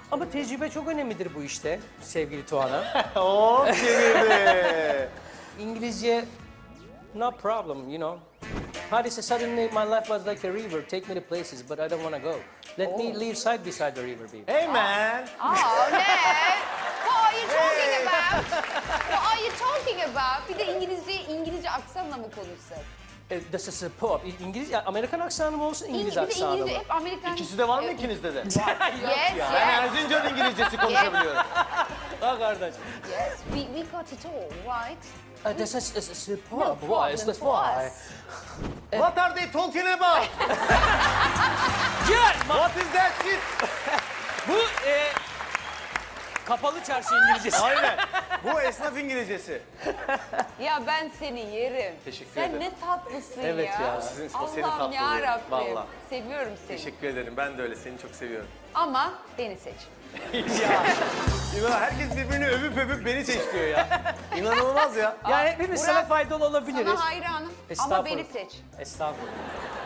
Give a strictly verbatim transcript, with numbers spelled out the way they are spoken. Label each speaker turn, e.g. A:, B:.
A: Ama tecrübe çok önemlidir bu işte sevgili Tuana.
B: Hop çevirdi.
A: İngilizce, no problem, you know. How do you say, suddenly my life was like a river, take me to places, but I don't want to go. Let me live side beside the river, baby.
B: Hey man.
C: Oh, Ned. What are you talking about? What are you talking about? Bir de İngilizce, İngilizce aksanla mı konuşsak?
A: E, This is a pop. İngilizce, Amerikan aksanı mı olsun, İngiliz
C: İngiliz, bir de
A: aksanı mı?
C: İngilizce hep Amerikan...
B: İkisi de var mı ikinizde de?
C: Yes,
B: Ben
C: yes,
B: Erzincan İngilizcesi konuşabiliyorum.
A: Ha kardeş.
C: yes. We, we got it all, right?
A: Uh, this is, is, is a pop.
C: No
A: Why? Is
C: problem
A: this
C: for
A: why?
C: us.
B: What are they talking about?
A: Gel!
B: What is that shit?
A: Bu e, kapalı çarşı İngilizcesi.
B: Aynen. Bu esnaf İngilizcesi.
C: Ya ben seni yerim.
B: Teşekkür
C: Sen
B: ederim.
C: ne tatlısın
A: Evet
C: ya.
A: ya.
B: Sizin- o senin
C: Allah'ım
B: tatlılığın,
C: yarabbim.
B: vallahi.
C: Seviyorum seni.
B: Teşekkür ederim. Ben de öyle. Seni çok seviyorum.
C: Ama beni seç.
B: ya. İnan herkes birbirini övüp övüp beni seçiyor ya. İnanılmaz ya.
A: Yani hepimiz
C: Burak,
A: sana faydalı olabiliriz.
C: Sana hayranım ama
A: Estağfurullah.
C: beni seç.
A: Estağfurullah.